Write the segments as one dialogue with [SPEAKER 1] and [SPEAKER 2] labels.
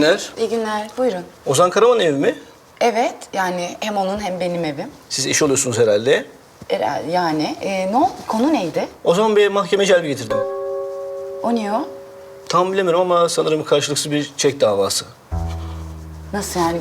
[SPEAKER 1] günler.
[SPEAKER 2] İyi günler, buyurun.
[SPEAKER 1] Ozan Karaman evi mi?
[SPEAKER 2] Evet, yani hem onun hem benim evim.
[SPEAKER 1] Siz eş oluyorsunuz herhalde.
[SPEAKER 2] Yani, konu neydi?
[SPEAKER 1] Ozan Bey'e mahkeme celbi getirdim.
[SPEAKER 2] O niye o?
[SPEAKER 1] Tam bilemiyorum ama sanırım karşılıksız bir çek davası.
[SPEAKER 2] Nasıl yani?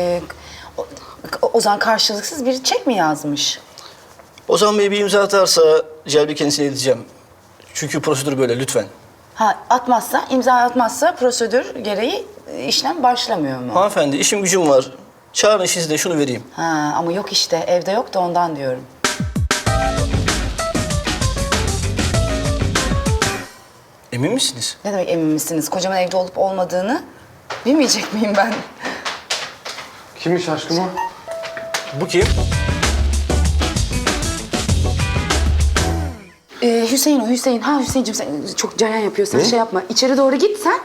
[SPEAKER 2] Ozan karşılıksız bir çek mi yazmış?
[SPEAKER 1] Ozan Bey bir imza atarsa celbi kendisine edeceğim. Çünkü prosedür böyle, lütfen.
[SPEAKER 2] Ha, imza atmazsa prosedür gereği işlem başlamıyor mu?
[SPEAKER 1] Hanımefendi, işim gücüm var. Çağırın siz de şunu vereyim.
[SPEAKER 2] Ha, ama yok işte, evde yok da ondan diyorum.
[SPEAKER 1] Emin misiniz?
[SPEAKER 2] Ne demek emin misiniz? Kocamın evde olup olmadığını bilmeyecek miyim ben?
[SPEAKER 3] Kimmiş aşkım o?
[SPEAKER 1] Bu kim?
[SPEAKER 2] Hüseyin o, Hüseyin. Ha Hüseyin'cim sen çok cayan yapıyorsun, şey yapma. İçeri doğru git sen.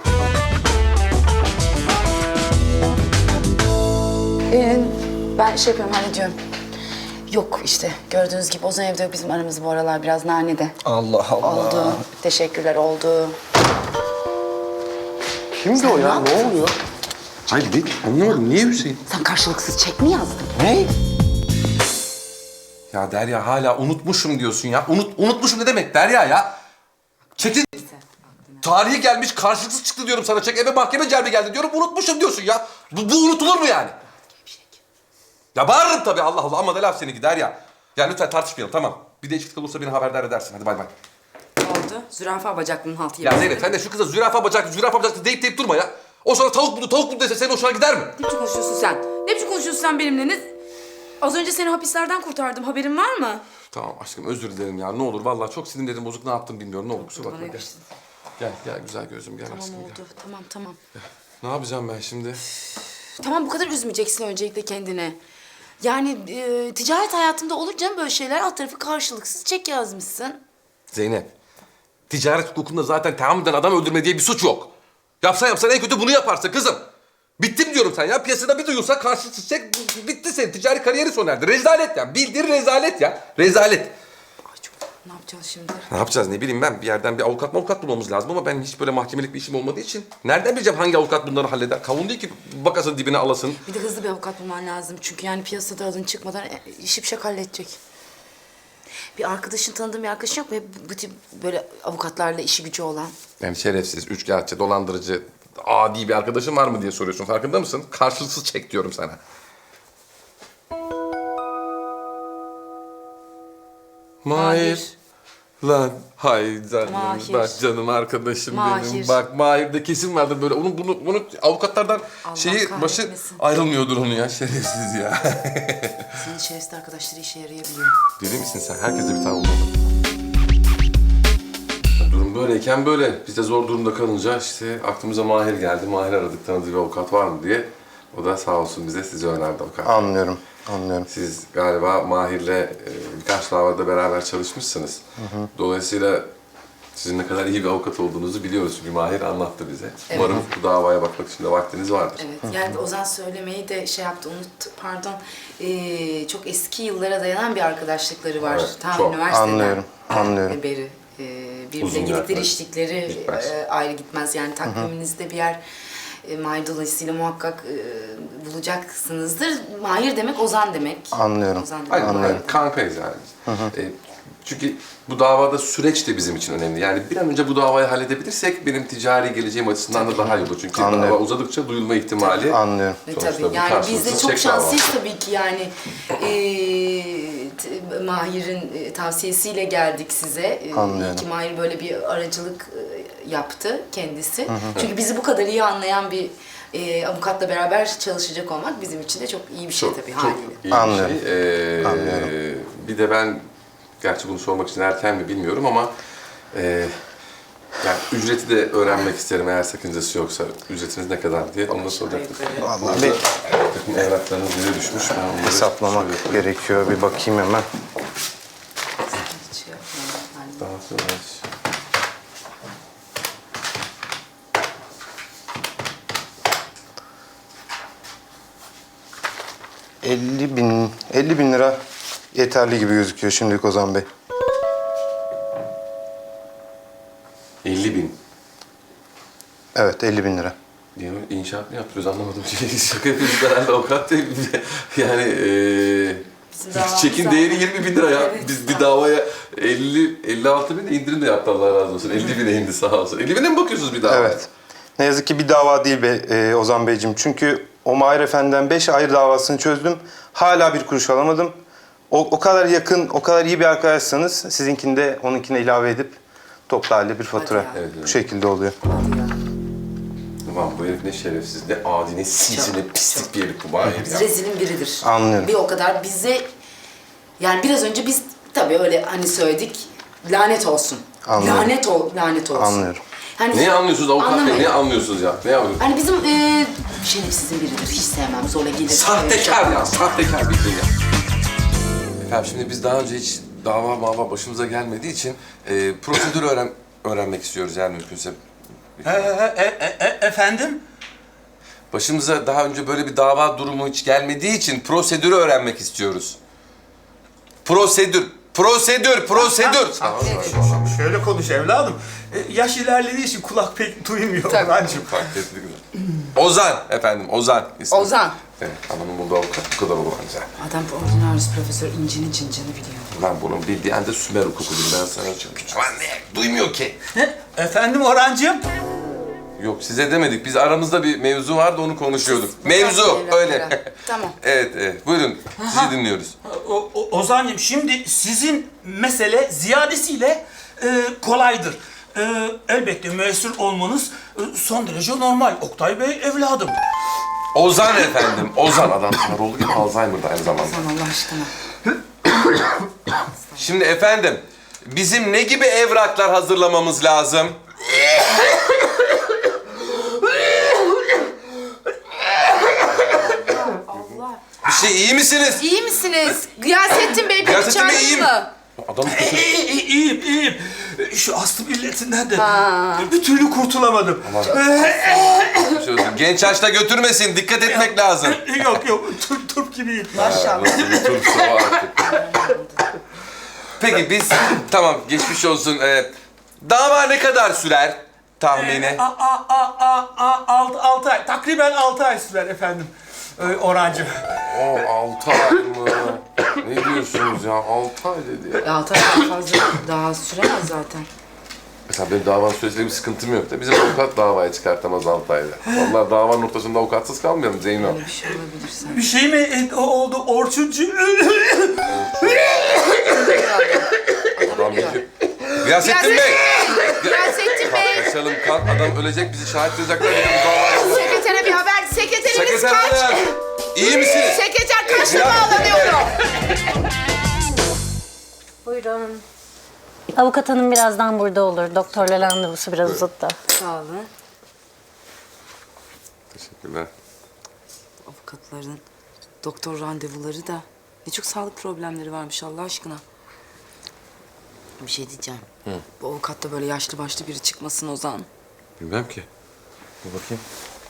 [SPEAKER 2] Ben şey yapıyorum, hallediyorum. Yok işte, gördüğünüz gibi Ozan evde yok. Bizim aramız bu aralar biraz nanede.
[SPEAKER 1] Allah Allah.
[SPEAKER 2] Oldu. Teşekkürler, oldu.
[SPEAKER 3] Kimdi o ya? Ne oluyor? Hayır, anlamadım. Niye Hüseyin?
[SPEAKER 2] Sen karşılıksız çek mi yazdın?
[SPEAKER 3] Ne?
[SPEAKER 4] Ya Derya hala unutmuşum diyorsun ya. Unutmuşum ne demek Derya ya? Çetin tarihi gelmiş karşılıksız çıktı diyorum sana. Çek eve mahkeme celbi geldi diyorum. Unutmuşum diyorsun ya. Bu unutulur mu yani? Ya bağırırım tabii Allah Allah ama da laf seninki Derya. Ya lütfen tartışmayalım tamam. Bir değişiklik olursa beni haberdar edersin. Hadi bay bay.
[SPEAKER 2] Oldu. Zürafa bacaklının haltı
[SPEAKER 4] Ya Zeynep sen de şu kıza zürafa bacaklı deyip durma ya. O sana tavuk buldu dese senin hoşuna gider mi?
[SPEAKER 5] Ne biçim konuşuyorsun sen? Ne biçim konuşuyorsun sen benimle? Az önce seni hapislerden kurtardım. Haberin var mı?
[SPEAKER 4] Tamam aşkım özür dilerim ya. Ne olur vallahi çok sinirlerim bozuk. Ne yaptım bilmiyorum. Ne olur kusura bakma gel. Gel güzel gözüm gel
[SPEAKER 5] Tamam
[SPEAKER 4] aşkım
[SPEAKER 5] oldu.
[SPEAKER 4] gel.
[SPEAKER 5] Tamam.
[SPEAKER 4] Ne yapacağım ben şimdi?
[SPEAKER 5] Tamam bu kadar üzmeyeceksin öncelikle kendini. Yani ticaret hayatında olur canım böyle şeyler. Alt tarafı karşılıksız çek yazmışsın.
[SPEAKER 4] Zeynep, ticaret hukukunda zaten tahammüden adam öldürme diye bir suç yok. Yapsan en kötü bunu yaparsın kızım. Bittim diyorum sen ya. Piyasada bir duyulsa karşılıksız çek bitti senin. Ticari kariyeri sona erdi. Rezalet ya. Bildiğin rezalet ya. Rezalet.
[SPEAKER 5] Ay çok... Ne yapacağız şimdi?
[SPEAKER 4] Ne yapacağız ne bileyim ben. Bir yerden bir avukat bulmamız lazım ama ben hiç böyle mahkemelik bir işim olmadığı için nereden bileceğim hangi avukat bunları halleder? Kavun değil ki bakasın dibine alasın.
[SPEAKER 5] Bir de hızlı bir avukat bulman lazım. Çünkü yani piyasada adın çıkmadan şipşak halledecek. Bir arkadaşın, tanıdığın bir arkadaşın yok mu? Hep bu tip böyle avukatlarla işi gücü olan.
[SPEAKER 4] Yani şerefsiz, üçkağıtçı, dolandırıcı, adi bir arkadaşın var mı diye soruyorsun. Farkında mısın? Karşılıksız çek diyorum sana. Mahir. Lan hay canım,
[SPEAKER 5] Mahir.
[SPEAKER 4] bak canım arkadaşım
[SPEAKER 5] Mahir.
[SPEAKER 4] benim. Bak Mahir'de kesin vardır böyle. Bunu avukatlardan
[SPEAKER 5] Allah
[SPEAKER 4] başı
[SPEAKER 5] kahretmesin.
[SPEAKER 4] ayrılmıyordur onu ya. Şerefsiz ya.
[SPEAKER 5] Senin şerefsiz arkadaşları işe yarayabiliyor.
[SPEAKER 4] Deli misin sen? Herkese bir tane olmalı. Durum böyleyken böyle. Biz de zor durumda kalınca işte aklımıza Mahir geldi. Mahir aradık tanıdığı bir avukat var mı diye. O da sağ olsun bize sizi önerdi avukat.
[SPEAKER 3] Anlıyorum.
[SPEAKER 4] Siz galiba Mahir'le birkaç davada beraber çalışmışsınız. Dolayısıyla sizin ne kadar iyi bir avukat olduğunuzu biliyoruz. Çünkü Mahir anlattı bize.
[SPEAKER 2] Evet.
[SPEAKER 4] Umarım bu davaya bakmak için de vaktiniz vardır.
[SPEAKER 2] Evet, yani Ozan söylemeyi de şey yaptı, pardon. Çok eski yıllara dayanan bir arkadaşlıkları var.
[SPEAKER 4] Evet,
[SPEAKER 2] Tam
[SPEAKER 4] çok.
[SPEAKER 2] üniversiteden
[SPEAKER 3] Anlıyorum.
[SPEAKER 2] beri. Birbirine
[SPEAKER 4] Uzun
[SPEAKER 2] gidikleri,
[SPEAKER 4] yıllar.
[SPEAKER 2] içtikleri
[SPEAKER 4] Gitmez.
[SPEAKER 2] ayrı gitmez. Yani takviminizde bir yer Mahir dolayısıyla muhakkak bulacaksınızdır. Mahir demek Ozan demek.
[SPEAKER 3] Anlıyorum.
[SPEAKER 2] Ozan demek.
[SPEAKER 4] Aynen,
[SPEAKER 3] Anlıyorum.
[SPEAKER 4] aynen. Kankayız yani. Çünkü bu davada süreç de bizim için önemli. Yani bir an önce bu davayı halledebilirsek benim ticari geleceğim açısından da daha iyi olur. Çünkü
[SPEAKER 3] Anlıyorum.
[SPEAKER 4] dava uzadıkça duyulma ihtimali...
[SPEAKER 3] Anlıyorum.
[SPEAKER 4] Sonuçta
[SPEAKER 2] Tabii
[SPEAKER 4] bu
[SPEAKER 2] yani biz
[SPEAKER 4] karşılıksız
[SPEAKER 2] de çok
[SPEAKER 4] çek
[SPEAKER 2] şanslıyız
[SPEAKER 4] davası.
[SPEAKER 2] tabii ki yani Mahir'in tavsiyesiyle geldik size.
[SPEAKER 3] Anlıyorum.
[SPEAKER 2] İyi ki Mahir böyle bir aracılık yaptı kendisi. Çünkü bizi bu kadar iyi anlayan bir avukatla beraber çalışacak olmak bizim için de çok iyi bir şey tabii haliyle.
[SPEAKER 4] iyi bir
[SPEAKER 3] Anlıyorum.
[SPEAKER 4] şey.
[SPEAKER 3] Anlıyorum.
[SPEAKER 4] Bir de ben, gerçi bunu sormak için erken mi bilmiyorum ama... yani ücreti de öğrenmek isterim eğer sakıncası yoksa. Ücretiniz ne kadar diye onu da soracaktım.
[SPEAKER 3] Vallahi bir
[SPEAKER 4] Takım evraklarınız bize düşmüş. Ben onları
[SPEAKER 3] hesaplamak
[SPEAKER 4] şöyle
[SPEAKER 3] gerekiyor. Bir bakayım hemen.
[SPEAKER 2] Hiç şey yapmayalım. Yani
[SPEAKER 4] daha sonra...
[SPEAKER 3] 50 bin lira yeterli gibi gözüküyor şimdilik Ozan Bey.
[SPEAKER 4] 50.000.
[SPEAKER 3] Evet, 50 bin lira.
[SPEAKER 4] İyi inşaat mı yaptırıyoruz anlamadım. Şaka yapıyoruz herhalde avukat değil. Yani
[SPEAKER 2] davamız
[SPEAKER 4] çekin
[SPEAKER 2] zaten.
[SPEAKER 4] değeri 20 bin lira ya.
[SPEAKER 2] Evet,
[SPEAKER 4] Biz bir davaya 56 bin de indirim de yaptı Allah razı olsun. 50 bine indi sağ olsun. 50 bine mi bakıyorsunuz bir davaya?
[SPEAKER 3] Evet. Ne yazık ki bir dava değil be Ozan Beyciğim. Çünkü o Mahir Efendi'den 5 ayrı davasını çözdüm. Hala bir kuruş alamadım. O kadar yakın, o kadar iyi bir arkadaşsanız sizinkini de onunkine ilave edip toplu halde bir fatura.
[SPEAKER 2] Hadi ya.
[SPEAKER 4] Evet, evet.
[SPEAKER 3] Bu şekilde oluyor.
[SPEAKER 4] Ulan bu herif ne şerefsiz, ne adi, ne sinsi, ne pislik bir herif bu Mahir ya.
[SPEAKER 2] Rezilin biridir.
[SPEAKER 3] Anlıyorum.
[SPEAKER 2] Bir o kadar bize... Yani biraz önce biz tabii öyle hani söyledik. Lanet olsun.
[SPEAKER 3] Anlıyorum.
[SPEAKER 2] Lanet olsun.
[SPEAKER 3] Anlıyorum.
[SPEAKER 2] Hani
[SPEAKER 4] Ne anlıyorsunuz avukat bey?
[SPEAKER 2] Anlamayın.
[SPEAKER 4] Ne anlıyorsunuz ya? Ne anlıyorsunuz?
[SPEAKER 2] Hani bizim şerefsizin biridir. Hiç sevmem. Zorla gelir.
[SPEAKER 4] Sahtekar ya, sahtekar bildiğin ya. Efendim şimdi biz daha önce hiç dava başımıza gelmediği için prosedürü öğrenmek istiyoruz yani mümkünse.
[SPEAKER 6] Efendim?
[SPEAKER 4] Başımıza daha önce böyle bir dava durumu hiç gelmediği için prosedürü öğrenmek istiyoruz. Prosedür.
[SPEAKER 6] Şöyle konuş evladım. Yaş ilerlediği için kulak pek duymuyor
[SPEAKER 2] Tabii.
[SPEAKER 6] Orhancığım.
[SPEAKER 4] Fark ettik mi? Ozan efendim, Ozan. ismi.
[SPEAKER 2] Ozan.
[SPEAKER 4] Evet, anamın bulduğu avukat bu kadar olacak.
[SPEAKER 2] Adam ordinarius profesör incinin cincini biliyor.
[SPEAKER 4] Lan bunun bildiği anda Sümer hukukudur ben sana söyleyeyim. Lan ne? Duymuyor ki.
[SPEAKER 6] Efendim Orhancığım?
[SPEAKER 4] Yok size demedik. Biz aramızda bir mevzu vardı onu konuşuyorduk. Mevzu
[SPEAKER 2] evlatlara.
[SPEAKER 4] öyle.
[SPEAKER 2] Tamam.
[SPEAKER 4] Evet. Buyurun. Sizi dinliyoruz.
[SPEAKER 6] Ozan'cığım şimdi sizin mesele ziyadesiyle kolaydır. Elbette müessir olmanız son derece normal. Oktay Bey evladım.
[SPEAKER 4] Ozan efendim. Ozan adam sarı gibi Alzheimer'da aynı zamanda.
[SPEAKER 2] Sen Allah aşkına.
[SPEAKER 4] Şimdi efendim bizim ne gibi evraklar hazırlamamız lazım?
[SPEAKER 2] Allah.
[SPEAKER 4] Bir şey iyi misiniz?
[SPEAKER 2] İyi misiniz? Gıyasettin Bey beni
[SPEAKER 4] Gıyasettin Bey,
[SPEAKER 2] çağırdın
[SPEAKER 4] iyiyim.
[SPEAKER 2] mı?
[SPEAKER 4] Adam
[SPEAKER 6] İyiyim. Şu astım illetinden de bir türlü kurtulamadım.
[SPEAKER 4] bir şey olsun. Genç yaşta götürmesin. Dikkat etmek lazım.
[SPEAKER 6] Yok turp gibiyim.
[SPEAKER 2] Maşallah.
[SPEAKER 4] Peki biz tamam geçmiş olsun. Dava ne kadar sürer tahmini?
[SPEAKER 6] 6 ay. Takriben 6 ay sürer efendim. Orhancığım.
[SPEAKER 4] O 6 ay mı? Ne diyorsunuz ya? 6 ay dedi ya.
[SPEAKER 2] Ya tabii fazla daha süremez zaten.
[SPEAKER 4] Mesela benim davanın süresiyle bir sıkıntım yok da bizim avukat davayı çıkartamaz 6 ayda. Vallahi davanın ortasında avukatsız kalmayalım Zeyno.
[SPEAKER 2] Öyle bir şey olabilir sanki.
[SPEAKER 6] Bir şey mi oldu Orçuncu?
[SPEAKER 4] Adam bitiyor. Gıyasettin Bey!
[SPEAKER 2] Gıyasettin Bey!
[SPEAKER 4] Kaçalım kalk adam ölecek bizi şahit tutacaklar. Bizim davayı.
[SPEAKER 2] Sekretere bir haber. Sekreteriniz
[SPEAKER 4] Sekreter
[SPEAKER 2] kaç?
[SPEAKER 4] hanım! İyi misiniz?
[SPEAKER 2] Sekreter kaçta
[SPEAKER 4] Ya-
[SPEAKER 2] bağlanıyorum?
[SPEAKER 7] Buyurun. Avukat hanım birazdan burada olur. Doktorla randevusu biraz uzadı.
[SPEAKER 2] Sağ olun.
[SPEAKER 4] Teşekkürler.
[SPEAKER 2] Avukatların doktor randevuları da ne çok sağlık problemleri varmış Allah aşkına. Bir şey diyeceğim. Bu avukatta böyle yaşlı başlı biri çıkmasın Ozan.
[SPEAKER 4] Bilmem ki. Dur bakayım.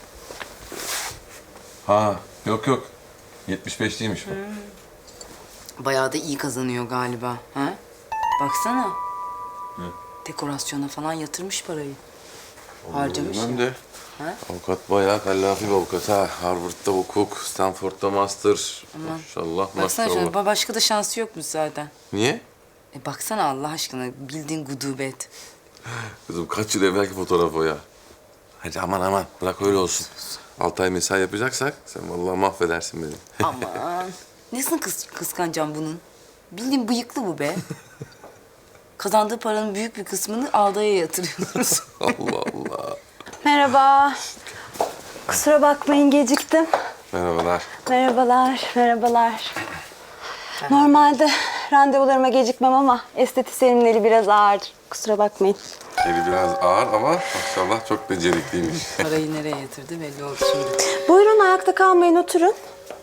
[SPEAKER 4] Ha yok. 75 değilmiş bu.
[SPEAKER 2] Bayağı da iyi kazanıyor galiba. Ha? Baksana. Dekorasyona falan yatırmış parayı. Harcamış ya.
[SPEAKER 4] Bilmem de.
[SPEAKER 2] Ha?
[SPEAKER 4] Avukat bayağı kallafi bir avukat ha. Harvard'da hukuk, Stanford'da master. Maşallah
[SPEAKER 2] Baksana şöyle
[SPEAKER 4] maşallah.
[SPEAKER 2] başka da şansı yokmuş zaten.
[SPEAKER 4] Niye?
[SPEAKER 2] Baksana Allah aşkına bildiğin gudubet.
[SPEAKER 4] Kızım kaç yıl evvelki fotoğraf o ya. Hadi aman bırak öyle olsun. 6 ay mesai yapacaksak sen vallahi mahvedersin beni.
[SPEAKER 2] Aman. Nesini kıskanacağım bunun? Bildiğin bıyıklı bu be. Kazandığı paranın büyük bir kısmını ağdaya yatırıyoruz.
[SPEAKER 4] Allah Allah.
[SPEAKER 7] Merhaba. Kusura bakmayın geciktim.
[SPEAKER 4] Merhabalar.
[SPEAKER 7] Merhabalar. Normalde randevularıma gecikmem ama estetisyenimin eli biraz ağır. Kusura bakmayın.
[SPEAKER 4] Eli biraz ağır ama maşallah çok becerikliymiş.
[SPEAKER 2] Parayı nereye yatırdı belli oldu şimdi.
[SPEAKER 7] Buyurun ayakta kalmayın oturun.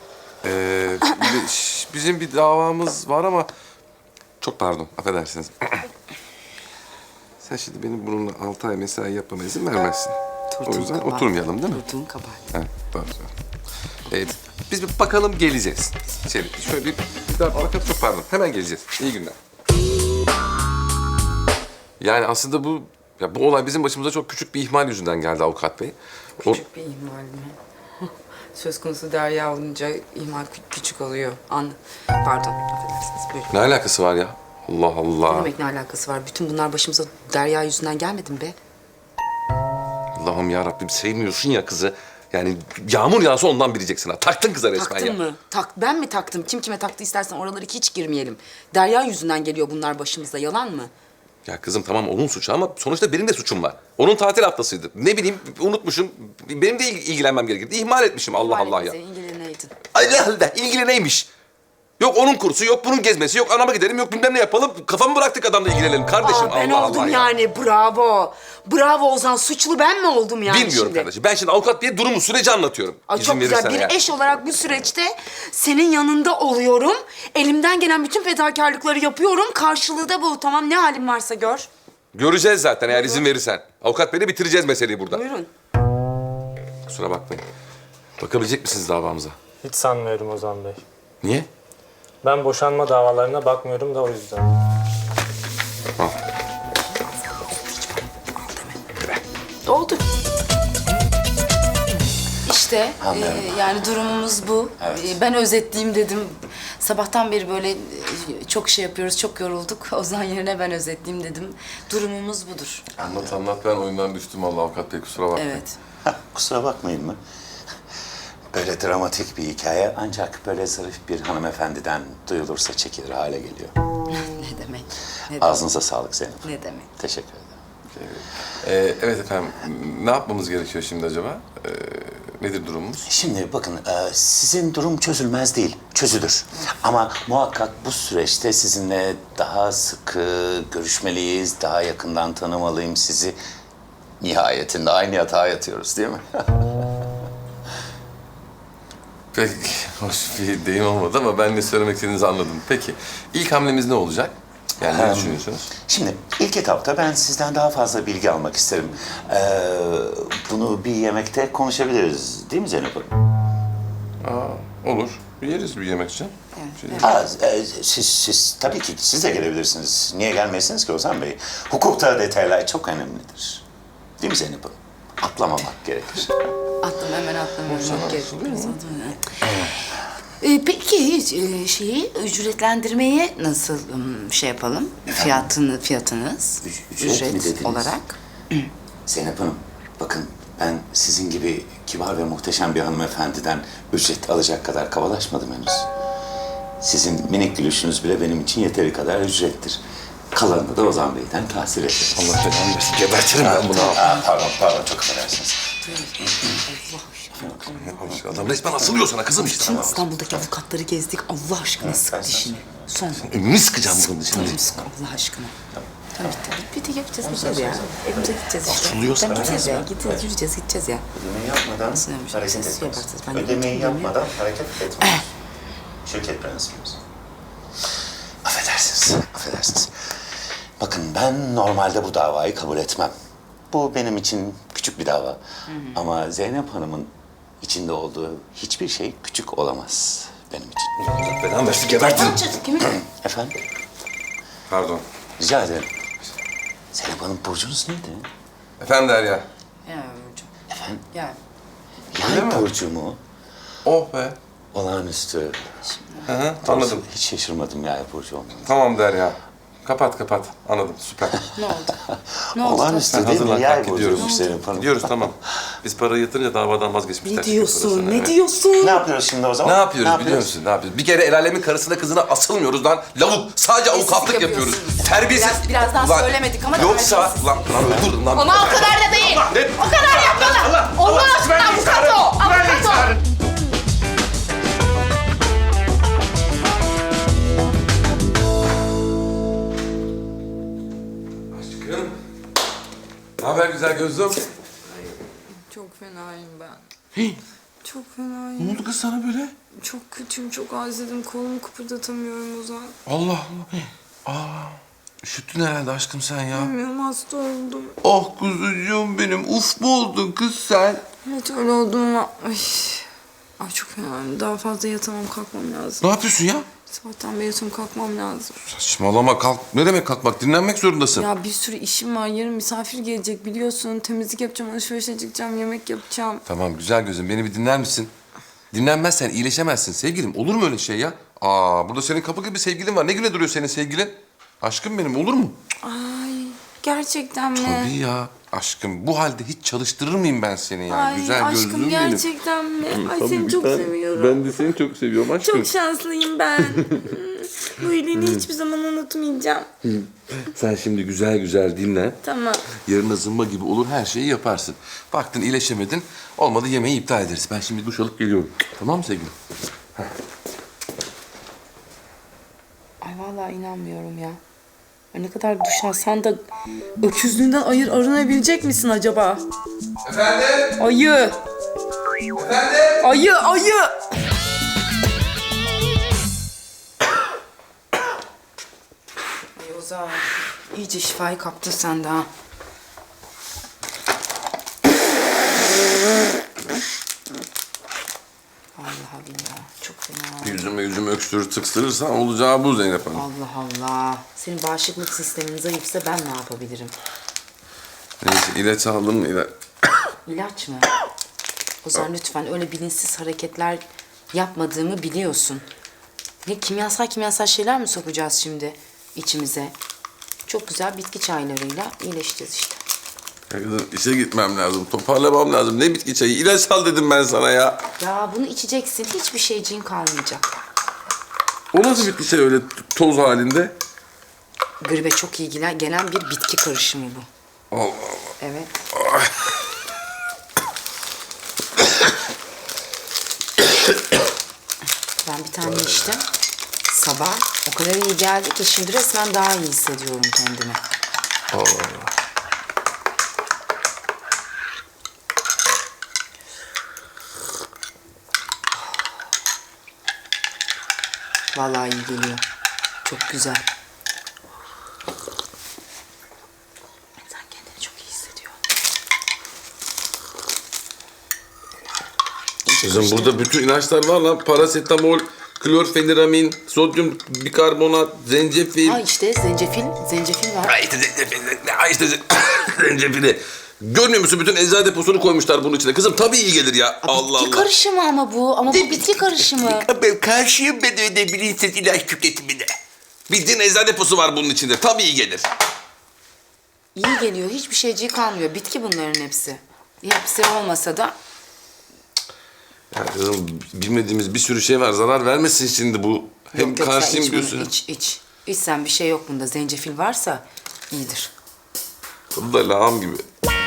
[SPEAKER 4] Bizim bir davamız var ama çok pardon affedersiniz. Sen şimdi benim bununla 6 ay mesai yapmama izin vermezsin. O yüzden oturmayalım değil mi?
[SPEAKER 2] Turtuğun kabahat.
[SPEAKER 4] Ha, doğru. Biz bir bakalım geleceğiz. Şöyle bir daha bakalım çok pardon. Hemen geleceğiz. İyi günler. Yani aslında bu Ya bu olay bizim başımıza çok küçük bir ihmal yüzünden geldi avukat bey.
[SPEAKER 2] Küçük bir ihmal mi? Söz konusu Derya olunca ihmal küçük oluyor. Pardon, affedersiniz. Buyurun.
[SPEAKER 4] Ne alakası var ya? Allah
[SPEAKER 2] Ne
[SPEAKER 4] Allah.
[SPEAKER 2] demek ne alakası var? Bütün bunlar başımıza Derya yüzünden gelmedi mi be?
[SPEAKER 4] Allah'ım ya Rabbim sevmiyorsun ya kızı. Yani yağmur yağsa ondan bileceksin ha. Taktın kıza resmen
[SPEAKER 2] Taktın
[SPEAKER 4] ya.
[SPEAKER 2] mı? Ben mi taktım? Kim kime taktı istersen oraları hiç girmeyelim. Derya yüzünden geliyor bunlar başımıza. Yalan mı?
[SPEAKER 4] Ya kızım tamam onun suçu ama sonuçta benim de suçum var. Onun tatil haftasıydı. Ne bileyim unutmuşum. Benim de ilgilenmem gerekirdi. İhmal etmişim Allah Allah ya.
[SPEAKER 2] İlgileneydin.
[SPEAKER 4] Allah Allah ilgili neymiş? Yok onun kursu, yok bunun gezmesi, yok anama gidelim, yok bilmem ne yapalım. Kafamı bıraktık adamla ilgilenelim kardeşim.
[SPEAKER 2] Ben
[SPEAKER 4] Allah
[SPEAKER 2] oldum
[SPEAKER 4] Allah ya.
[SPEAKER 2] yani. Bravo. Bravo Ozan. Suçlu ben mi oldum yani
[SPEAKER 4] Bilmiyorum
[SPEAKER 2] şimdi?
[SPEAKER 4] kardeşim. Ben şimdi avukat diye durumu, süreci anlatıyorum.
[SPEAKER 2] Ay
[SPEAKER 4] İzin
[SPEAKER 2] çok güzel.
[SPEAKER 4] verirsen
[SPEAKER 2] Bir
[SPEAKER 4] eğer.
[SPEAKER 2] eş olarak bu süreçte senin yanında oluyorum. Elimden gelen bütün fedakarlıkları yapıyorum. Karşılığı da bu. Tamam ne halin varsa gör.
[SPEAKER 4] Göreceğiz zaten eğer izin verirsen. Avukat bey'le bitireceğiz meseleyi burada.
[SPEAKER 2] Buyurun.
[SPEAKER 4] Kusura bakmayın. Bakabilecek misiniz davamıza?
[SPEAKER 8] Hiç sanmıyorum Ozan Bey.
[SPEAKER 4] Niye?
[SPEAKER 8] Ben boşanma davalarına bakmıyorum da o yüzden.
[SPEAKER 2] Oldu. İşte yani durumumuz bu. Ben özetleyeyim dedim. Sabahtan beri böyle çok şey yapıyoruz, çok yorulduk. Ozan yerine ben özetleyeyim dedim. Durumumuz budur.
[SPEAKER 4] Anlat ben oyundan düştüm vallahi avukat bey kusura bakmayın.
[SPEAKER 2] Evet.
[SPEAKER 9] Kusura bakmayın mı? Böyle dramatik bir hikaye ancak böyle zarif bir hanımefendiden duyulursa çekilir hale geliyor.
[SPEAKER 2] Ne demek? Ne demek?
[SPEAKER 9] Ağzınıza sağlık Zeynep.
[SPEAKER 2] Ne demek?
[SPEAKER 9] Teşekkür ederim.
[SPEAKER 4] Evet efendim. Ne yapmamız gerekiyor şimdi acaba? Nedir durumumuz?
[SPEAKER 9] Şimdi bakın sizin durum çözülmez değil, çözülür. Ama muhakkak bu süreçte sizinle daha sıkı görüşmeliyiz, daha yakından tanımalıyım sizi. Nihayetinde aynı yatağa yatıyoruz değil mi?
[SPEAKER 4] Pek hoş bir deyim olmadı ama ben ne söylemek istediğinizi anladım. Peki ilk hamlemiz ne olacak? Yani ne düşünüyorsunuz?
[SPEAKER 9] Şimdi ilk etapta ben sizden daha fazla bilgi almak isterim. Bunu bir yemekte konuşabiliriz değil mi Zeynep Hanım?
[SPEAKER 4] Olur. Yeriz bir yemek için.
[SPEAKER 9] Siz tabii ki siz de gelebilirsiniz. Niye gelmezsiniz ki Ozan Bey? Hukukta detaylar çok önemlidir. Değil mi Zeynep Hanım? Atlamamak gerekir.
[SPEAKER 2] Hemen atlamıyorum. Peki şeyi ücretlendirmeyi nasıl şey yapalım? Fiyatınız
[SPEAKER 9] Ücret mi dediniz?
[SPEAKER 2] olarak.
[SPEAKER 9] Zeynep Hanım, bakın ben sizin gibi kibar ve muhteşem bir hanımefendiden ücret alacak kadar kabalaşmadım henüz. Sizin minik gülüşünüz bile benim için yeteri kadar ücrettir. Kalanını da Ozan Bey'den tahsil ederim.
[SPEAKER 4] Allah belanı versin. Gebertirim ben bunu.
[SPEAKER 9] Pardon, çok affedersiniz.
[SPEAKER 4] Adam resmen asılıyor sana kızım işte.
[SPEAKER 2] Bütün İstanbul'daki avukatları gezdik. Allah aşkına sık dişini. Son.
[SPEAKER 4] Önünü sıkacağım bunun için.
[SPEAKER 2] Tamam sık Allah aşkına. Tamam bitti gideceğiz ya. Evimize gideceğiz işte.
[SPEAKER 4] Asılıyorsa
[SPEAKER 2] Tamam,
[SPEAKER 4] ben
[SPEAKER 2] gideceğiz ya. Gideceğiz ya.
[SPEAKER 9] Ödemeyi yapmadan
[SPEAKER 2] Nasılmış?
[SPEAKER 9] hareket
[SPEAKER 2] Siz
[SPEAKER 9] etmez.
[SPEAKER 2] yaparsınız, ben de
[SPEAKER 9] Ödemeyi
[SPEAKER 2] yapacağım.
[SPEAKER 9] yapmadan hareket etmez. Şirket prensibimiz. Affedersiniz. Bakın ben normalde bu davayı kabul etmem. Bu benim için küçük bir dava. Ama Zeynep Hanım'ın içinde olduğu hiçbir şey küçük olamaz benim için.
[SPEAKER 4] Allah belanı versin. Gebertirim.
[SPEAKER 2] Kimi?
[SPEAKER 9] Efendim?
[SPEAKER 4] Pardon.
[SPEAKER 9] Rica ederim. Zeynep Hanım burcunuz neydi?
[SPEAKER 4] Efendim Derya.
[SPEAKER 2] Ya hocam.
[SPEAKER 9] Efendim?
[SPEAKER 2] Ya.
[SPEAKER 9] Yay burcu mu?
[SPEAKER 4] Oh be.
[SPEAKER 9] Olağanüstü.
[SPEAKER 4] Hı hı, anladım.
[SPEAKER 9] Hiç şaşırmadım yay burcu olmanı.
[SPEAKER 4] Tamam Derya. Kapat. Anladım süper.
[SPEAKER 2] Ne oldu? Ne oldu?
[SPEAKER 9] Olağanüstü değil mi?
[SPEAKER 4] Hazırlan
[SPEAKER 9] Yay
[SPEAKER 4] kalk gidiyoruz.
[SPEAKER 9] burcuymuş Zeynep Hanım.
[SPEAKER 4] Gidiyoruz tamam. Biz parayı yatırınca davadan vazgeçmişler.
[SPEAKER 2] Ne diyorsun?
[SPEAKER 4] Parasını,
[SPEAKER 2] Ne
[SPEAKER 4] evet.
[SPEAKER 2] diyorsun?
[SPEAKER 9] Ne yapıyoruz şimdi o zaman?
[SPEAKER 4] Ne yapıyoruz biliyor musun? Ne yapıyoruz? Bir kere el alemin karısına kızına asılmıyoruz lan. Lavuk. Sadece avukatlık yapıyoruz.
[SPEAKER 2] yapıyorsunuz.
[SPEAKER 4] Terbiyesiz.
[SPEAKER 2] Birazdan
[SPEAKER 4] Ulan,
[SPEAKER 2] söylemedik ama
[SPEAKER 4] Yoksa
[SPEAKER 2] terbiyesiz.
[SPEAKER 4] lan öldür lan.
[SPEAKER 5] Ama o kadar da değil. O kadar yapmalı. Allah aşkına avukat o. Avukat o.
[SPEAKER 4] Aşkım. Ne haber güzel gözlüm?
[SPEAKER 10] Çok fenayım ben. Çok fenayım.
[SPEAKER 4] Ne oldu kız sana böyle?
[SPEAKER 10] Çok kötüyüm, çok özledim. Kolumu kıpırdatamıyorum Ozan.
[SPEAKER 4] Allah Allah. Üşüttün herhalde aşkım sen ya.
[SPEAKER 10] Bilmiyorum, hasta oldum.
[SPEAKER 4] Oh kuzucuğum benim. Uf mu oldun kız sen?
[SPEAKER 10] Evet öyle oldum ama... Ay çok fenayım. Daha fazla yatamam, kalkmam lazım.
[SPEAKER 4] Ne yapıyorsun ya?
[SPEAKER 10] Sabahtan beri yatıyorum, kalkmam lazım.
[SPEAKER 4] Saçmalama kalk. Ne demek kalkmak? Dinlenmek zorundasın.
[SPEAKER 10] Ya bir sürü işim var. Yarın misafir gelecek biliyorsun. Temizlik yapacağım, alışverişe çıkacağım, yemek yapacağım.
[SPEAKER 4] Tamam güzel gözüm beni bir dinler misin? Dinlenmezsen iyileşemezsin sevgilim. Olur mu öyle şey ya? Aa burada senin kapı gibi sevgilin var. Ne güne duruyor senin sevgilin? Aşkım benim olur mu?
[SPEAKER 10] Ay gerçekten mi?
[SPEAKER 4] Tabii ya. Aşkım bu halde hiç çalıştırır mıyım ben seni ya?
[SPEAKER 10] Ay
[SPEAKER 4] Güzel gözlüm
[SPEAKER 10] aşkım
[SPEAKER 4] benim.
[SPEAKER 10] gerçekten mi? Ay seni çok seviyorum.
[SPEAKER 4] Ben de seni çok seviyorum aşkım.
[SPEAKER 10] Çok şanslıyım ben. Bu iyiliğini hiçbir zaman unutmayacağım.
[SPEAKER 4] Sen şimdi güzel güzel dinlen.
[SPEAKER 10] Tamam.
[SPEAKER 4] Yarın zımba gibi olur her şeyi yaparsın. Baktın iyileşemedin. Olmadı yemeği iptal ederiz. Ben şimdi duş alıp geliyorum. Tamam mı sevgilim?
[SPEAKER 2] Ay vallahi inanmıyorum ya. Ay ne kadar duş alsan da öküzlüğünden arınabilecek misin acaba?
[SPEAKER 4] Efendim?
[SPEAKER 2] Ayı!
[SPEAKER 4] Efendim?
[SPEAKER 2] Ayı! Ayı! Ay Ozan, iyice şifayı kaptın sen de ha. Vallahi billahi çok fena.
[SPEAKER 4] Yüzümü öksürür tıksırırsan olacağı bu Zeynep Hanım.
[SPEAKER 2] Allah Allah. Senin bağışıklık sistemin zayıfsa ben ne yapabilirim?
[SPEAKER 4] Neyse ilaç aldın mı ilaç?
[SPEAKER 2] İlaç mı? Ozan lütfen öyle bilinçsiz hareketler yapmadığımı biliyorsun. Ne kimyasal şeyler mi sokacağız şimdi içimize? Çok güzel bitki çaylarıyla iyileşeceğiz işte.
[SPEAKER 4] Ya kızım işe gitmem lazım. Toparlamam lazım. Ne bitki çayı? İlaç al dedim ben sana ya.
[SPEAKER 2] Ya bunu içeceksin. Hiçbir şeyciğin kalmayacak.
[SPEAKER 4] O nasıl bitki çayı öyle toz halinde?
[SPEAKER 2] Gribe çok iyi gelen bir bitki karışımı bu.
[SPEAKER 4] Allah Allah.
[SPEAKER 2] Evet. Ben bir tane içtim. Sabah o kadar iyi geldi ki şimdi resmen daha iyi hissediyorum kendimi.
[SPEAKER 4] Allah Allah.
[SPEAKER 2] Vallahi iyi geliyor. Çok güzel. Sen kendini çok iyi hissediyorsun.
[SPEAKER 4] Kızım burada bütün ilaçlar var lan. Parasetamol, klorfeniramin, sodyum bikarbonat, zencefil.
[SPEAKER 2] Ha işte zencefil var.
[SPEAKER 4] Ay işte zencefil, zencefili. Görmüyor musun? Bütün eczane deposunu koymuşlar bunun içine. Kızım tabii iyi gelir ya. Allah
[SPEAKER 2] Bitki
[SPEAKER 4] Allah.
[SPEAKER 2] karışımı ama bu bitki karışımı.
[SPEAKER 4] Ben karşıyım ben öyle bilinçsiz ilaç tüketimine. Bildiğin eczane deposu var bunun içinde. Tabii iyi gelir.
[SPEAKER 2] İyi geliyor. Hiçbir şeyciği kalmıyor. Bitki bunların hepsi. Hepsi olmasa da
[SPEAKER 4] Ya kızım bilmediğimiz bir sürü şey var. Zarar vermesin şimdi bu. Hem
[SPEAKER 2] yok, sen
[SPEAKER 4] karşıyım
[SPEAKER 2] iç bunu,
[SPEAKER 4] diyorsun.
[SPEAKER 2] iç. İç sen bir şey yok bunda. Zencefil varsa iyidir.
[SPEAKER 4] Tadı da lağım gibi.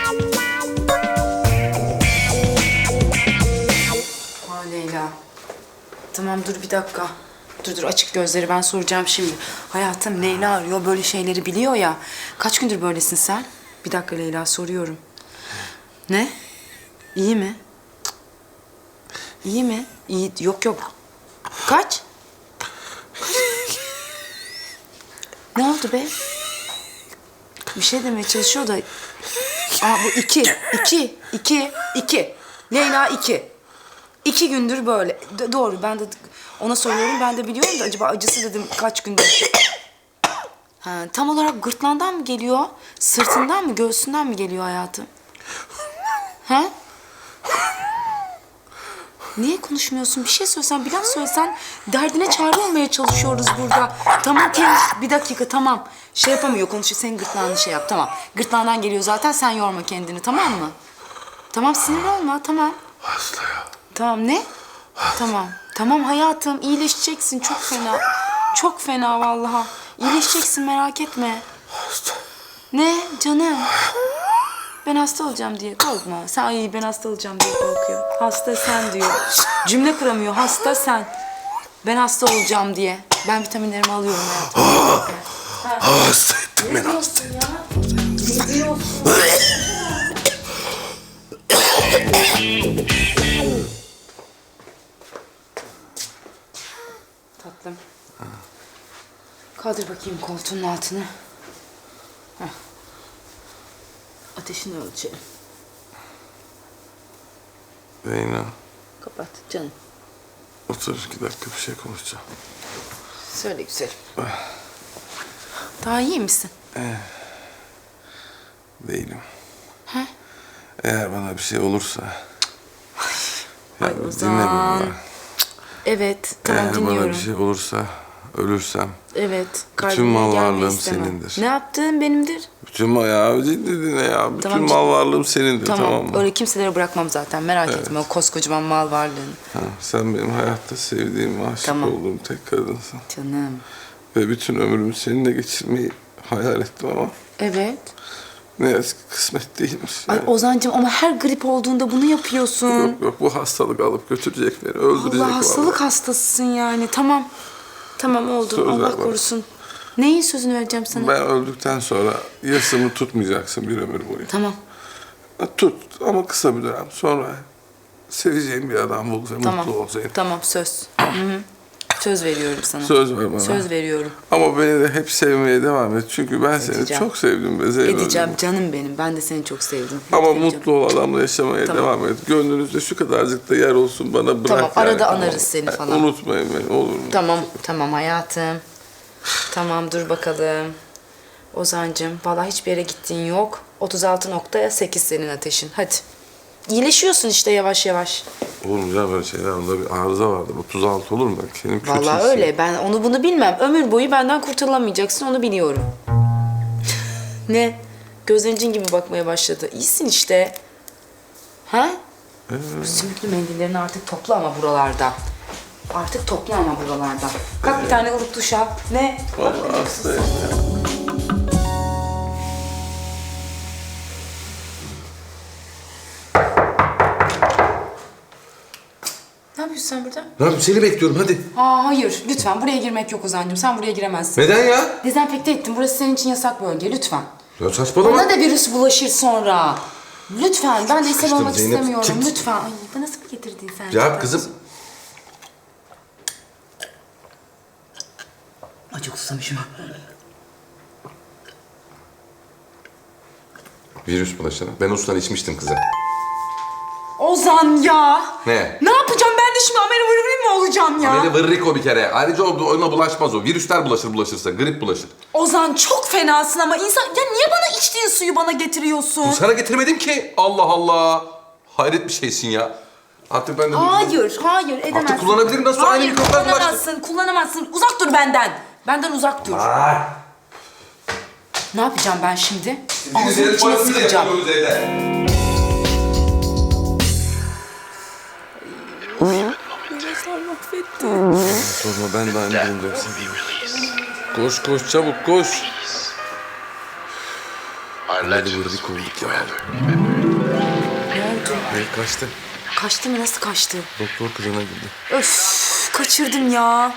[SPEAKER 2] Ha Leyla. Tamam dur bir dakika. Dur açık gözleri ben soracağım şimdi. Hayatım Leyla arıyor böyle şeyleri biliyor ya. Kaç gündür böylesin sen? Bir dakika Leyla soruyorum. Ne? İyi mi? İyi mi? İyi. Yok. Kaç? Ne oldu be? Bir şey demeye çalışıyor da... Aa bu iki. Leyla 2. 2 gündür böyle. Doğru ben de ona soruyorum ben de biliyorum da acaba acısı dedim kaç gündür. Ha, tam olarak gırtlağından mı geliyor? Sırtından mı göğsünden mi geliyor hayatım? Ha? Niye konuşmuyorsun? Bir şey söylesen, bir laf söylesen derdine çare olmaya çalışıyoruz burada. Tamam bir dakika tamam. Şey yapamıyor konuşuyor. Senin gırtlağını şey yap tamam. Gırtlağından geliyor zaten sen yorma kendini tamam mı? Tamam sinir olma tamam.
[SPEAKER 4] Hasta ya.
[SPEAKER 2] Tamam ne? Tamam hayatım iyileşeceksin çok fena. Çok fena vallahi. İyileşeceksin merak etme.
[SPEAKER 4] Hasta.
[SPEAKER 2] Ne canım? Ben hasta olacağım diye korkma. Sen ay ben hasta olacağım diye korkuyor. Hasta sen diyor. Cümle kuramıyor. Hasta sen. Ben hasta olacağım diye. Ben vitaminlerimi alıyorum hayatım.
[SPEAKER 4] Hasta ettim beni hasta.
[SPEAKER 2] Ya. Ne diyorsun? Tatlım. Kaldır bakayım koltuğun altını. Heh. Ateşini ölçelim.
[SPEAKER 4] Zeyna
[SPEAKER 2] Kapat canım.
[SPEAKER 4] otur 2 dakika bir şey konuşacağım.
[SPEAKER 5] Söyle güzelim. Daha iyi misin?
[SPEAKER 11] Değilim.
[SPEAKER 5] He?
[SPEAKER 11] Eğer bana bir şey olursa...
[SPEAKER 5] Ay
[SPEAKER 11] Ya dinle
[SPEAKER 5] Ozan.
[SPEAKER 11] beni bak.
[SPEAKER 5] Evet, tamam
[SPEAKER 11] Eğer
[SPEAKER 5] dinliyorum.
[SPEAKER 11] bana bir şey olursa, ölürsem...
[SPEAKER 5] Evet,
[SPEAKER 11] bütün
[SPEAKER 5] kalbime
[SPEAKER 11] mal
[SPEAKER 5] gelmeyi
[SPEAKER 11] varlığım
[SPEAKER 5] istemem.
[SPEAKER 11] senindir.
[SPEAKER 5] Ne yaptığın benimdir.
[SPEAKER 11] Bütün mal ya, ciddi dinle ya. Bütün
[SPEAKER 5] Tamam,
[SPEAKER 11] mal varlığım senindir, tamam mı?
[SPEAKER 5] Öyle kimselere bırakmam zaten, merak etme o koskocaman mal varlığını.
[SPEAKER 11] Ha, sen benim hayatta sevdiğim, aşık
[SPEAKER 5] Tamam.
[SPEAKER 11] olduğum tek kadınsın.
[SPEAKER 5] Canım.
[SPEAKER 11] Ve bütün ömrümü seninle geçirmeyi hayal ettim ama...
[SPEAKER 5] Evet.
[SPEAKER 11] Ne yazık ki kısmet değilmiş.
[SPEAKER 5] Ay
[SPEAKER 11] yani.
[SPEAKER 5] Ozan'cığım ama her grip olduğunda bunu yapıyorsun.
[SPEAKER 11] Yok yok, bu hastalık alıp götürecek beni, öldürecek
[SPEAKER 5] Allah hastalık
[SPEAKER 11] vallahi.
[SPEAKER 5] hastasısın yani. Tamam. Tamam oldu.
[SPEAKER 11] Söz ver
[SPEAKER 5] Allah
[SPEAKER 11] bana.
[SPEAKER 5] korusun. Neyin sözünü vereceğim sana?
[SPEAKER 11] Ben öldükten sonra yasımı tutmayacaksın bir ömür boyu.
[SPEAKER 5] Tamam.
[SPEAKER 11] Tut ama kısa bir dönem. Sonra seveceğim bir adam bul ve
[SPEAKER 5] Tamam.
[SPEAKER 11] mutlu ol Zeynep.
[SPEAKER 5] Tamam söz. Hı hı. Söz veriyorum sana.
[SPEAKER 11] Söz ver bana.
[SPEAKER 5] Söz veriyorum.
[SPEAKER 11] Ama beni de hep sevmeye devam et. Çünkü ben seni
[SPEAKER 5] Edeceğim.
[SPEAKER 11] çok sevdim be Zeynep.
[SPEAKER 5] Edeceğim canım benim. Ben de seni çok sevdim. Hep
[SPEAKER 11] Ama
[SPEAKER 5] seveceğim.
[SPEAKER 11] mutlu ol, adamla yaşamaya
[SPEAKER 5] Tamam.
[SPEAKER 11] devam et. Gönlünüzde şu kadarcık da yer olsun bana bırak.
[SPEAKER 5] Tamam, arada
[SPEAKER 11] yani,
[SPEAKER 5] anarız seni
[SPEAKER 11] Yani
[SPEAKER 5] falan.
[SPEAKER 11] Unutmayın beni, olur mu?
[SPEAKER 5] Tamam, tamam hayatım. Tamam dur bakalım. Ozan'cığım vallahi hiçbir yere gittiğin yok. 36.8 senin ateşin. Hadi. İyileşiyorsun işte yavaş yavaş.
[SPEAKER 11] Oğlum ya böyle şeyler, onda bir arıza vardı. 36 olur mu? Kendimi kötü
[SPEAKER 5] Vallahi
[SPEAKER 11] hissediyorum.
[SPEAKER 5] öyle. Ben onu bunu bilmem. Ömür boyu benden kurtulamayacaksın onu biliyorum. Ne? Gözlerin cin gibi bakmaya başladı. İyisin işte. Ha? Bu sümüklü mendillerini artık topla ama buralardan. Artık topla ama buralardan. Kalk bir tane ılık duş al. Ne?
[SPEAKER 11] Vallahi hastayım ya.
[SPEAKER 5] Ne yapıyorsun sen burada?
[SPEAKER 4] Ne yapayım, seni bekliyorum hadi.
[SPEAKER 5] Aa hayır. Lütfen buraya girmek yok Ozan'cığım. Sen buraya giremezsin.
[SPEAKER 4] Neden ya?
[SPEAKER 5] Dezenfekte ettim. Burası senin için yasak bölge. Lütfen.
[SPEAKER 4] Ya saçmalama.
[SPEAKER 5] Bana da virüs bulaşır sonra. Lütfen. Ben de ishal
[SPEAKER 4] sıkıştım
[SPEAKER 5] olmak
[SPEAKER 4] Zeynep.
[SPEAKER 5] istemiyorum.
[SPEAKER 4] Çık.
[SPEAKER 5] Lütfen. Ay bana nasıl getirdin sen?
[SPEAKER 4] Ya kızım.
[SPEAKER 5] Ay çok susamışım.
[SPEAKER 4] Virüs bulaşana. Ben o sudan içmiştim kıza.
[SPEAKER 5] Ozan ya.
[SPEAKER 4] Ne?
[SPEAKER 5] Ne yapacağım ben de şimdi Ameli Vırvır mı olacağım ya?
[SPEAKER 4] Ameli vırrik o bir kere. Ayrıca ona bulaşmaz o. Virüsler bulaşırsa. Grip bulaşır.
[SPEAKER 5] Ozan çok fenasın ama insan... Ya niye bana içtiğin suyu bana getiriyorsun?
[SPEAKER 4] Sana getirmedim ki. Allah Allah. Hayret bir şeysin ya. Artık ben de...
[SPEAKER 5] Hayır, hayır edemezsin.
[SPEAKER 4] Artık kullanabilirim, nasıl aynı
[SPEAKER 5] Hayır,
[SPEAKER 4] mikroplar bulaştı?
[SPEAKER 5] kullanamazsın. Uzak dur benden. Benden uzak dur. Ne yapacağım ben şimdi? Ağzının içine sıkacağım.
[SPEAKER 11] Sorma, ben de aynı durumdayım. Koş koş çabuk koş. Hadi vırdık olduk ya.
[SPEAKER 5] Ne oldu?
[SPEAKER 11] Hayır, kaçtı.
[SPEAKER 5] Kaçtı mı? Nasıl kaçtı?
[SPEAKER 11] Doktor kılığına girdi.
[SPEAKER 5] Öf, kaçırdım ya.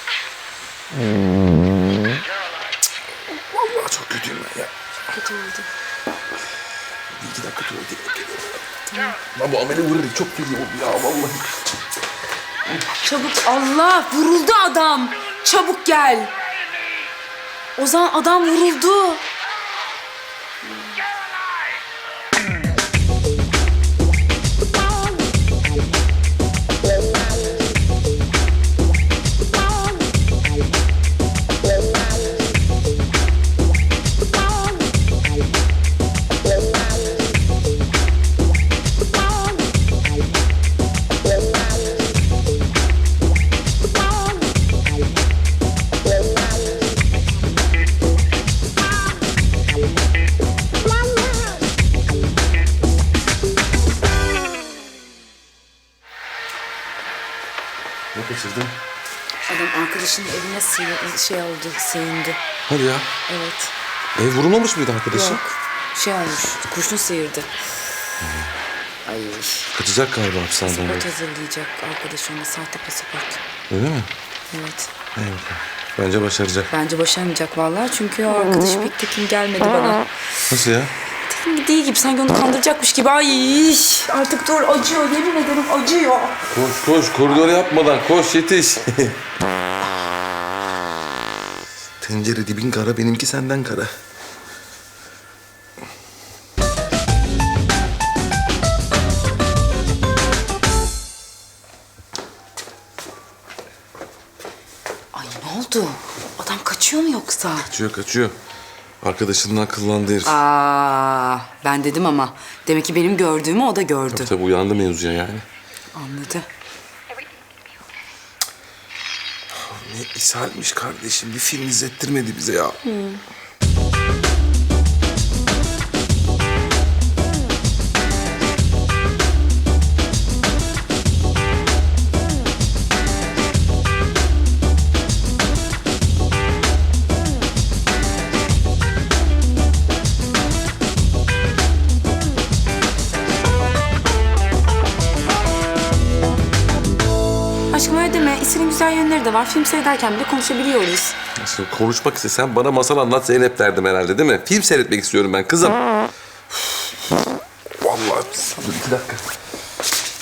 [SPEAKER 11] Vallahi çok kötüyüm ben ya.
[SPEAKER 5] Kötü oldu.
[SPEAKER 11] Bir iki dakika tuvalete geliyorum. Tamam. Lan bu ameli vırdık çok geliyor ya vallahi.
[SPEAKER 5] Çabuk Allah vuruldu adam. Çabuk gel. Ozan adam vuruldu.
[SPEAKER 11] Ne kaçırdın?
[SPEAKER 5] Adam arkadaşının evine sığındı.
[SPEAKER 11] Hadi ya.
[SPEAKER 5] Evet.
[SPEAKER 11] Vurulmamış mıydı arkadaşın?
[SPEAKER 5] Yok. Olmuş. Kurşun sıyırdı. Ay.
[SPEAKER 11] Kaçacak galiba hapishaneden.
[SPEAKER 5] Pasaport hazırlayacak arkadaş ona. Sahte pasaport.
[SPEAKER 11] Öyle mi?
[SPEAKER 5] Evet.
[SPEAKER 11] İyi bakalım. Bence başaracak.
[SPEAKER 5] Bence başaramayacak vallahi. Çünkü o arkadaş pek tekin gelmedi bana.
[SPEAKER 11] Nasıl ya?
[SPEAKER 5] Tekin değil gibi. Sanki onu kandıracakmış gibi. Ay artık dur. Acıyor. Yemin ederim acıyor.
[SPEAKER 11] Koş koş, koridor yapmadan koş, yetiş. Tencere dibin kara, benimki senden kara.
[SPEAKER 5] Ay
[SPEAKER 2] Ne oldu? Adam kaçıyor mu yoksa?
[SPEAKER 11] Kaçıyor. Arkadaşından kıllandı herif.
[SPEAKER 2] Ben dedim ama. Demek ki benim gördüğümü o da gördü.
[SPEAKER 11] Tabii uyandı mevzuya yani.
[SPEAKER 2] Anladı.
[SPEAKER 11] Ne ishalmiş kardeşim. Bir film izlettirmedi bize ya.
[SPEAKER 5] Aşkım öyle deme. İsa'nın güzel yönleri de var. Film seyrederken bile konuşabiliyoruz.
[SPEAKER 11] Nasıl konuşmak istesen bana masal anlat Zeynep derdim herhalde değil mi? Film seyretmek istiyorum ben kızım. Vallahi dur 2 dakika.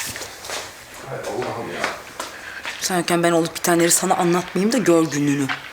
[SPEAKER 2] Sen yokken ben olup bitenleri sana anlatmayayım da gör gününü.